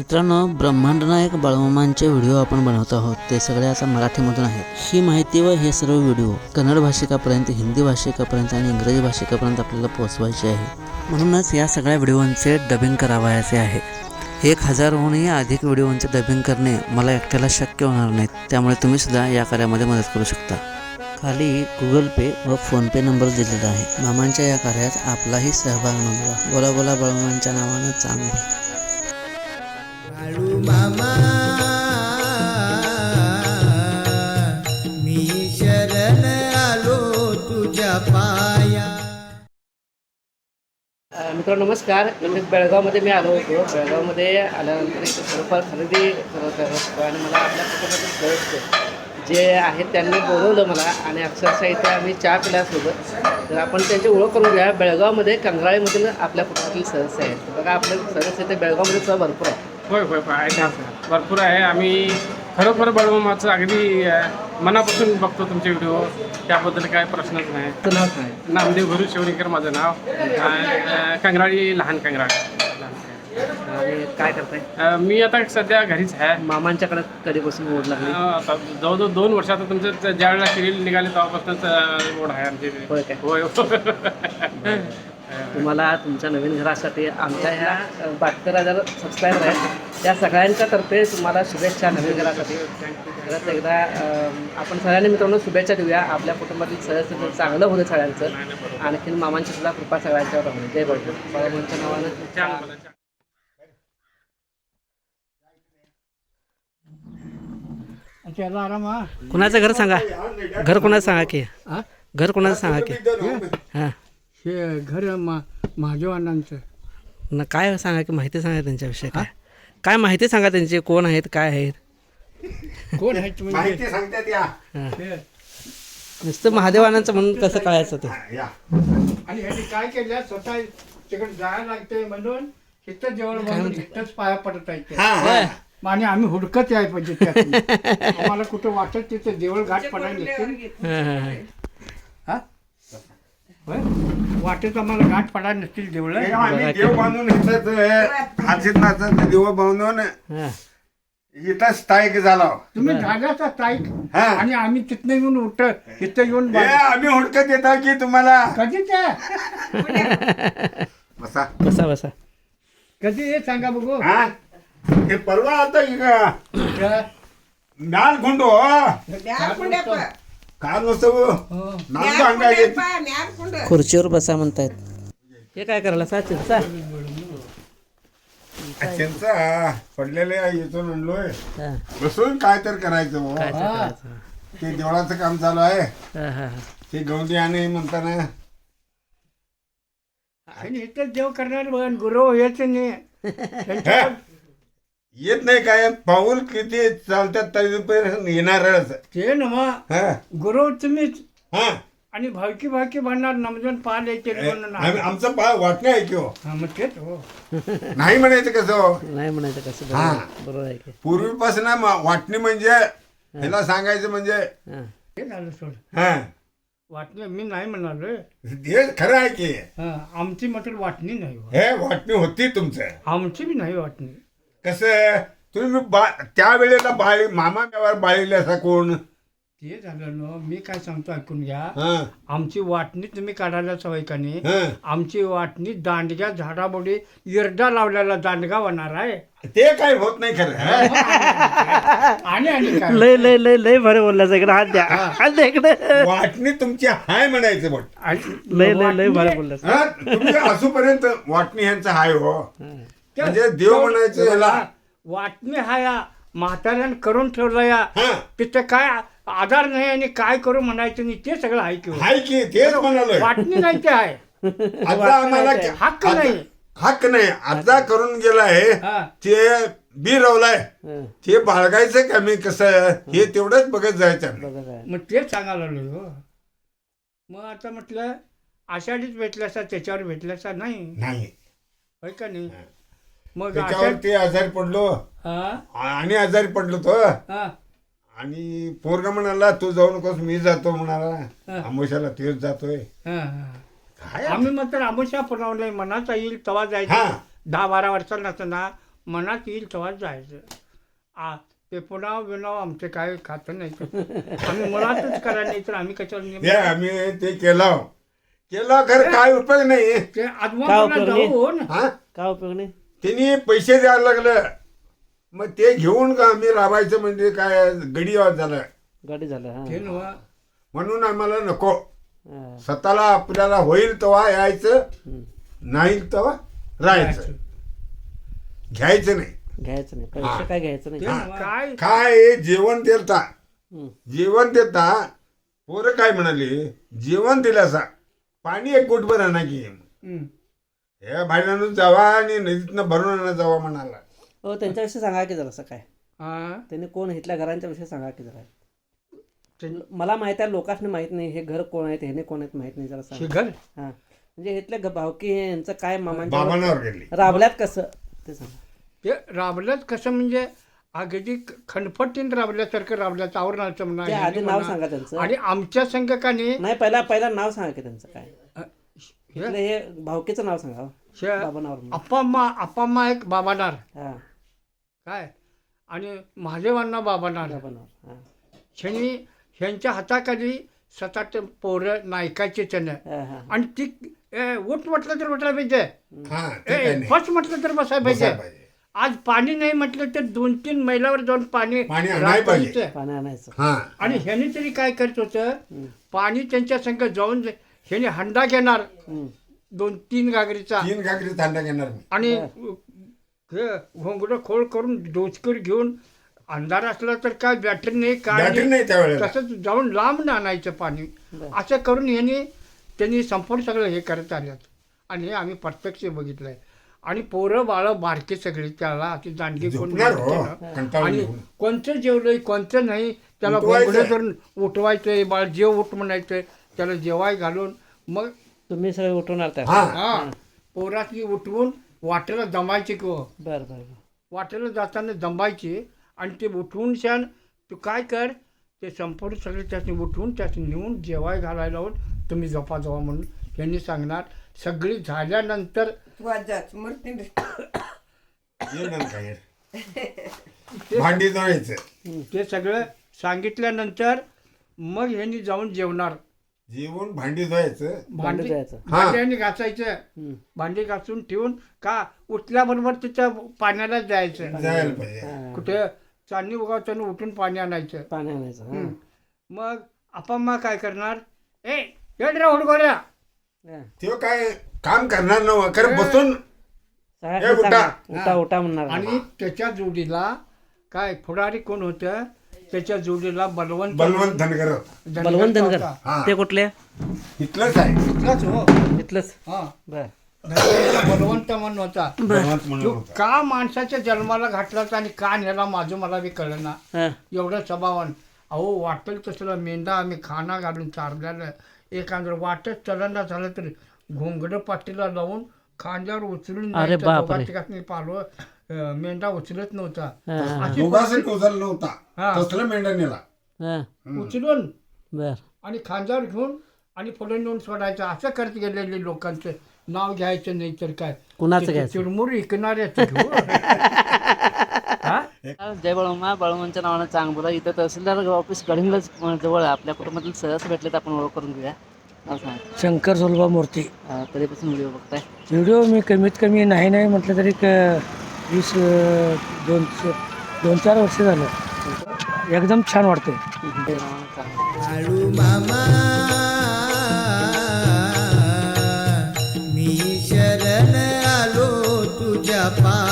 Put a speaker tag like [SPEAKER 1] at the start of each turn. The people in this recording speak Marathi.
[SPEAKER 1] मित्रांनो, ब्रह्मांड नायक बाळूमामांचे व्हिडिओ आपण बनवत आहोत. ते सगळे आता मराठीमधून आहेत. ही माहिती व हे सर्व व्हिडिओ कन्नड भाषिकापर्यंत, हिंदी भाषिकापर्यंत आणि इंग्रजी भाषिकापर्यंत आपल्याला पोहोचवायचे आहे. म्हणूनच या सगळ्या व्हिडिओंचे डबिंग करावयाचे आहे. 1000हूनही अधिक व्हिडिओंचे डबिंग करणे मला एकट्याला शक्य होणार नाही. त्यामुळे तुम्ही सुद्धा या कार्यामध्ये मदत करू शकता. खाली गुगल पे व फोनपे नंबर दिलेला आहे. मामांच्या या कार्यात आपलाही सहभाग नोंदवा. बोला बोला बाळूमामांच्या नावानं चांगलं.
[SPEAKER 2] बाळू मामा मी शरण आलो तुझ्या पाया.
[SPEAKER 3] मित्रांनो नमस्कार. बेळगावमध्ये मी आलो होतो. बेळगावमध्ये आल्यानंतर इथे थोडंफार खरेदी करत होतो आणि मला आपल्या कुटुंबातील सदस्य जे आहेत त्यांनी बोलवलं मला आणि अक्षरशः इथे आम्ही चहा पिल्यासोबत. तर आपण त्यांची ओळख करून घ्या. बेळगावमध्ये कंगराळीमधील आपल्या कुटुंबातील सदस्य आहेत. बघा आपले सदस्य इथे बेळगावमध्ये सुद्धा भरपूर आहे.
[SPEAKER 4] होय होय आहे भरपूर आहे. आम्ही खरोखर बाळूमामाचं अगदी मनापासून बघतो तुमचे व्हिडिओ. त्याबद्दल काय प्रश्नच नाही.
[SPEAKER 3] नाव काय?
[SPEAKER 4] नामदेव गुरु शिवणीकर माझं नाव. कंगराळी लहान कंगराळी.
[SPEAKER 3] आणि काय करताय?
[SPEAKER 4] मी आता सध्या घरीच आहे.
[SPEAKER 3] मामांच्याकडे कधीपासून ओढ लागली?
[SPEAKER 4] आता जवळजवळ 2 वर्ष आता तुमचं ज्या वेळेला सिरियल निघाले तेव्हापासूनच ओढ आहे आमची.
[SPEAKER 3] होय काय?
[SPEAKER 4] होय.
[SPEAKER 3] तुम्हाला तुमच्या नवीन घरासाठी आमच्या ह्या 72,000 सबस्क्रायबर आहेत त्या सगळ्यांच्या तर्फे तुम्हाला शुभेच्छा नवीन घरासाठी. परत एकदा आपण सगळ्यांनी मित्रांनो शुभेच्छा देऊया. आपल्या कुटुंबातील सदस्य चांगलं होतं सगळ्यांचं. आणखीन मामांची सुद्धा कृपा सगळ्यांच्यावर राहून. जय बाळूमामांच्या नावानं.
[SPEAKER 1] कुणाचं घर सांगा. घर कोणाचं सांगा की. घर कोणाचं सांगा की. हां,
[SPEAKER 5] हे घर महादेवांचं.
[SPEAKER 1] न काय सांगा की. माहिती सांगा त्यांच्याविषयी. काय माहिती सांगा त्यांची. कोण आहेत, काय आहेत.
[SPEAKER 5] कोण आहेत म्हणजे?
[SPEAKER 6] माहिती सांगतात या.
[SPEAKER 5] हे.
[SPEAKER 1] नुसतं महादेवानांचं म्हणून कसं कळायचं ते.
[SPEAKER 6] या.
[SPEAKER 5] आणि ह्यांनी काय केलं, स्वतः तिकडे जायला लागते म्हणून इथं जेवण बनवून इथंच पाया पडत आहेत ते.
[SPEAKER 1] होय.
[SPEAKER 5] आणि आम्ही हुडकत आहे पाहिजे त्यातून. आम्हाला कुठं वाटत तिथं देवळ घाट पडायला नसतील.
[SPEAKER 1] हां हां हां.
[SPEAKER 5] हा होय? वाटेत आम्हाला घाट पडायला नसतील देवळ.
[SPEAKER 6] हे आम्ही देव बांधून इथंच हाजीनाथाचं देव बांधून
[SPEAKER 1] हां.
[SPEAKER 6] इथं स्थायिक झालो.
[SPEAKER 5] तुम्ही झाल्याचा ताईक.
[SPEAKER 6] हा.
[SPEAKER 5] आणि आम्ही तिथनं येऊन इथं येऊन
[SPEAKER 6] हे आम्ही हुडकत येतो की तुम्हाला.
[SPEAKER 5] कधी ते
[SPEAKER 6] बसा.
[SPEAKER 1] बसा बसा.
[SPEAKER 5] कधी हे सांगा बघू.
[SPEAKER 6] हा हे परवा आता नाल खुंडो काल नसतो नाल अंगाले
[SPEAKER 1] खुर्चीवर बसा म्हणतायत. हे काय करायला सा चिंचा.
[SPEAKER 6] त्यांचा पडलेले इथून आणलोय.
[SPEAKER 1] हां.
[SPEAKER 6] बसून काय तर करायचं हो.
[SPEAKER 1] काय तर करायचं.
[SPEAKER 6] ते देवळाचं काम चालू आहे.
[SPEAKER 1] हां हां हां.
[SPEAKER 6] ते गौंडी आणि म्हणताना
[SPEAKER 5] आणि इथं देव करणार गुरु यायचं नाही.
[SPEAKER 6] हे, येत नाही काय पाऊल किती चालतात तरी पण येणारच.
[SPEAKER 5] ते ना
[SPEAKER 6] हा
[SPEAKER 5] गुरु तुम्हीच.
[SPEAKER 6] हा
[SPEAKER 5] आणि भावकी भावकी म्हणणार नमजून पाल येते म्हणून.
[SPEAKER 6] आमचं वाटणं आहे की हो.
[SPEAKER 5] हा, मग तेच हो.
[SPEAKER 6] नाही म्हणायचं कसं हो.
[SPEAKER 1] नाही म्हणायचं कसं.
[SPEAKER 6] हां.
[SPEAKER 1] बरोबर आहे की.
[SPEAKER 6] पूर्वीपासून वाटणी म्हणजे ह्याला सांगायचं म्हणजे
[SPEAKER 1] हां.
[SPEAKER 5] ते झालं सोड.
[SPEAKER 6] हा
[SPEAKER 5] वाटणी मी नाही म्हणालो.
[SPEAKER 6] हे खरं आहे की.
[SPEAKER 5] आमची मात्र वाटणी नाही हो.
[SPEAKER 6] हे वाटणी होती तुमचं.
[SPEAKER 5] आमची बी नाही वाटणी.
[SPEAKER 6] कसं तुम्ही त्यावेळेला मामा बाळीले असा कोण.
[SPEAKER 5] ते झालं ना. मी काय सांगतो ऐकून घ्या.
[SPEAKER 6] हा
[SPEAKER 5] आमची वाटणी तुम्ही काढायला सवय का नाही.
[SPEAKER 6] हा
[SPEAKER 5] आमची वाटणी दांडग्या झाडाबोडी इरडा लावलेला दांडगा होणार आहे.
[SPEAKER 6] ते काय होत नाही खरं.
[SPEAKER 5] आणि आणि काय
[SPEAKER 1] लय लय लय लय भारी बोलल्याचं. इकडे हात द्या. हात द्या इकडे.
[SPEAKER 6] वाटणी तुमची हाय म्हणायचं बट.
[SPEAKER 1] लय लय लय भारी बोलल्याचं.
[SPEAKER 6] हा तुम्ही असूपर्यंत वाटणी ह्यांचं हाय हो. म्हणजे देव म्हणायचं ह्याला.
[SPEAKER 5] वाटणी हा या म्हाताऱ्यानं करून ठेवला या.
[SPEAKER 6] हा
[SPEAKER 5] तिथे काय आधार नाही आणि काय करू म्हणायचं नाही. ते सगळं आहे की हो.
[SPEAKER 6] हाय की तेच म्हणालोय.
[SPEAKER 5] वाटणी नाही ते आहे.
[SPEAKER 6] आता आम्हाला
[SPEAKER 5] हक्क नाही.
[SPEAKER 6] हक्क नाही. आता करून गेलाय
[SPEAKER 5] हा.
[SPEAKER 6] ते बी रवलाय.
[SPEAKER 1] हं.
[SPEAKER 6] ते बाळगायचं का मी कसं हे तेवढंच बघत जायचं.
[SPEAKER 1] बघा काय.
[SPEAKER 5] मग तेच सांगायला लागलो हो. मग आता म्हटलं आषाढीच भेटल्यासा त्याच्यावर भेटल्यासा नाही.
[SPEAKER 6] नाही
[SPEAKER 5] होय का नाही. मग
[SPEAKER 6] त्याच्यावर
[SPEAKER 5] आषाढ.
[SPEAKER 6] ते आजारी पडलो
[SPEAKER 5] हा
[SPEAKER 6] आणि आजारी पडलो तो.
[SPEAKER 5] हा
[SPEAKER 6] आणि पोरगा म्हणाला तू जाऊ नकोस मी जातो
[SPEAKER 5] हा.
[SPEAKER 6] म्हणाला. आमोशाला तेच जातोय.
[SPEAKER 5] हा
[SPEAKER 6] काय
[SPEAKER 5] आम्ही मात्र आमुषा पुरवलंय. मनाचा येईल तवा
[SPEAKER 6] हा.
[SPEAKER 5] जायचं. 10-12 वर्षाला नसताना मनात येईल तेव्हा जायचं. ते पुन्हा बिनाव आमचे काय खातं नाही आम्ही मुळातच करायला नाही तर आम्ही कशाला
[SPEAKER 6] ते आम्ही ते केलं खरं काय उपयोग नाही.
[SPEAKER 5] ते
[SPEAKER 1] काय
[SPEAKER 5] आजमा
[SPEAKER 1] उपयोग नाही?
[SPEAKER 5] जाऊन
[SPEAKER 6] हा
[SPEAKER 1] काय उपयोग नाही.
[SPEAKER 6] त्यांनी पैसे द्यायला लागलं मग ते घेऊन का आम्ही राबायचं म्हणजे काय गडी झालं
[SPEAKER 1] गाडी झालं हा.
[SPEAKER 5] ते नव्ह.
[SPEAKER 6] म्हणून आम्हाला नको.
[SPEAKER 1] हा.
[SPEAKER 6] स्वतःला आपल्याला होईल तेव्हा यायचं
[SPEAKER 1] हम्म.
[SPEAKER 6] नाही तेव्हा राहायचं घ्यायचं नाही.
[SPEAKER 1] घ्यायचं नाही पैसे काय घ्यायचं नाही.
[SPEAKER 5] ते नव्ह. काय
[SPEAKER 6] काय जेवण देता
[SPEAKER 1] हम्म.
[SPEAKER 6] जेवण देता पोरं काय म्हणाली जेवण दिल्यासा पाणी एक गुटभर आणा की
[SPEAKER 5] हम्म.
[SPEAKER 6] हे बाहेरनं जावा आणि नदीतनं भरून आणा जावा म्हणाला.
[SPEAKER 1] हो त्यांच्याविषयी सांगा की जरासं काय
[SPEAKER 5] हा.
[SPEAKER 1] त्यांनी कोण इथल्या घरांच्या विषयी सांगा की जरा.
[SPEAKER 5] ते
[SPEAKER 1] मला माहित आहे लोकांना माहित नाही हे घर कोण आहेत ह्याने कोण आहेत माहित नाही जरा सांगा.
[SPEAKER 5] शिखर
[SPEAKER 1] हा म्हणजे इथल्या भावकी यांचं काय मामांच्या
[SPEAKER 6] बाबांवर गेली
[SPEAKER 1] राबल्यात कसं ते सांगा.
[SPEAKER 5] ते राबल्यात कसं म्हणजे अगदी खणफटीन राबल्यासारखं राबल्याचं आवरणाचं
[SPEAKER 1] ते आधी नाव
[SPEAKER 5] म्हणा.
[SPEAKER 1] सांगा त्यांचं.
[SPEAKER 5] आणि आमच्या संघकाने
[SPEAKER 1] नाही पहिला नाव सांगा की त्यांचं काय. इथलं हे भावकीचं नाव सांगा हो. बाबा नाव.
[SPEAKER 5] अप्पा एक बाबानार
[SPEAKER 1] हा
[SPEAKER 5] काय आणि महादेवांना बाबानार
[SPEAKER 1] बाबा नाव. हा
[SPEAKER 5] शनी ह्यांच्या हाताखाली 7-8 पोरं नायकाचे त्यानं
[SPEAKER 1] हा हा.
[SPEAKER 5] आणि ती उठ म्हटलं तर उठायला पाहिजे
[SPEAKER 6] हा ते काय नाही.
[SPEAKER 5] बस म्हटलं तर बसायला पाहिजे.
[SPEAKER 6] बसायला पाहिजे.
[SPEAKER 5] आज पाणी नाही म्हटलं तर 2-3 मैलावर जाऊन पाणी
[SPEAKER 6] पाणी आणायला पाहिजे.
[SPEAKER 5] रात्रीचं.
[SPEAKER 1] पाणी आणायचं.
[SPEAKER 6] हा
[SPEAKER 5] आणि ह्याने तरी काय करत होतं पाणी त्यांच्या संग जाऊन ह्याने हंडा घेणार
[SPEAKER 1] हम्म.
[SPEAKER 5] 2-3 घागरीचा
[SPEAKER 6] 3 घागरी थंडा घेणार मी.
[SPEAKER 5] आणि घोंगडं खोळ करून डोचकर घेऊन अंधार असला तर काय बॅटरी नाही काय
[SPEAKER 6] बॅटरी नाही त्यावेळेला.
[SPEAKER 5] तसंच जाऊन लांब आणायचं पाणी. असं करून त्यांनी संपूर्ण सगळं हे करत आल्यात आणि हे आम्ही प्रत्यक्ष बघितलंय. आणि पोरं बाळं बारके सगळे त्याला अशी दांडगी कोण
[SPEAKER 6] झोपणार हो,
[SPEAKER 5] नसते ना.
[SPEAKER 6] कंटाळून
[SPEAKER 5] आणि
[SPEAKER 6] येऊन.
[SPEAKER 5] कोणतं जेवलंय कोणतं नाही त्याला
[SPEAKER 6] उठवायचं.
[SPEAKER 5] घोंगडं करून उठवायचंय बाळ जेव उठ म्हणायचं त्याला जेवाय घालून मग
[SPEAKER 1] तुम्ही सगळे उठवणार त्या.
[SPEAKER 6] हा
[SPEAKER 5] हा पोरातली उठवून वाटेला दमायची किंवा
[SPEAKER 1] बरं बरं बरं.
[SPEAKER 5] वाटेला जाताना दंबायची आणि ते उठवून छान तू काय कर ते संपूर्ण सगळे त्याने उठवून त्याने नेऊन जेवाय घालायला लावून तुम्ही झोपा जावा म्हणून त्यांनी सांगणार. सगळी झाल्यानंतर
[SPEAKER 6] ये ना काय. भांडी धुवायचं
[SPEAKER 5] ते सगळं सांगितल्यानंतर मग ह्यांनी जाऊन जेवणार.
[SPEAKER 6] जेवून भांडी धुवायचं.
[SPEAKER 1] भांडं जायचं.
[SPEAKER 5] भांड्याने घासायचं
[SPEAKER 1] हम्म.
[SPEAKER 5] भांडी घासून ठेवून का उठल्याबरोबर तिच्या पाण्याला जायचं.
[SPEAKER 6] जायला पाहिजे.
[SPEAKER 1] हा.
[SPEAKER 5] कुठे चांदणी उगावताना उठून पाणी आणायचं.
[SPEAKER 1] पाणी आणायचं. हा.
[SPEAKER 5] मग आपण काय करणार रे हुडगोऱ्या
[SPEAKER 1] हा.
[SPEAKER 6] ते काय काम करणार नव्ह खरं बसून
[SPEAKER 1] सगळ्यांना
[SPEAKER 6] ए, उठा.
[SPEAKER 1] सांगा. उठा उठा म्हणणार.
[SPEAKER 5] आणि त्याच्या जोडीला काय पुढारी कोण होतं त्याच्या जोडीला बलवंत
[SPEAKER 6] बलवंत धनगर
[SPEAKER 1] बलवंत धनगर.
[SPEAKER 6] हा.
[SPEAKER 1] ते कुठले
[SPEAKER 6] इथलंच आहे.
[SPEAKER 5] इथलाच हो
[SPEAKER 1] इथलंच.
[SPEAKER 5] हा
[SPEAKER 1] बर
[SPEAKER 5] धनगरचा बलवंत म्हणून होता.
[SPEAKER 6] बलवंत म्हणून
[SPEAKER 5] तो
[SPEAKER 6] होता.
[SPEAKER 5] का माणसाच्या जन्माला घातलाच आणि का नेला माझं मला बी कळलं ना.
[SPEAKER 1] हा.
[SPEAKER 5] एवढं स्वभावान अहो वाटेल तसलं मेंढा आम्ही खाना घालून चारलेलं एखादं वाटच चलना झालं तर घोंगडं पाठीला लावून खांद्यावर उचलून
[SPEAKER 1] अरे
[SPEAKER 5] न्यायचं.
[SPEAKER 1] बापरे.
[SPEAKER 5] दोघा तिघांनी पालो मेंढा उचलत नव्हता.
[SPEAKER 1] हा.
[SPEAKER 5] अशी
[SPEAKER 6] दोघांसाठी उचलला नव्हता.
[SPEAKER 5] हा.
[SPEAKER 6] तसलं मेंढा नेला.
[SPEAKER 1] हा.
[SPEAKER 5] उचलून
[SPEAKER 1] बर
[SPEAKER 5] आणि खांद्यावर घेऊन आणि पुढे नेऊन सोडायचं. असं करत गेलेले लोकांचं नाव घ्यायचं नाही तर काय
[SPEAKER 1] कुणाचं
[SPEAKER 5] ते
[SPEAKER 1] घ्यायचं?
[SPEAKER 5] चिरमुर विकणाऱ्याचं घेऊ. हा?
[SPEAKER 1] जय बळमा बळवंच्या नावानं चांग बोला. इथं तहसीलदार ऑफिस गडिंगलाच जवळ आहे. आपल्या कुटुंबातील सहज भेटले तर आपण ओळख करून घेऊया. नाव सांगा.
[SPEAKER 7] शंकर सोलबा मूर्ती.
[SPEAKER 1] कधीपासून व्हिडिओ बघताय?
[SPEAKER 7] व्हिडिओ मी कमीत कमी नाही म्हटलं तरी 2-4 वर्ष झालं. एकदम छान वाटते.
[SPEAKER 1] नावानं चांग.
[SPEAKER 2] बाळू मामा मी शरण आलो तुझ्या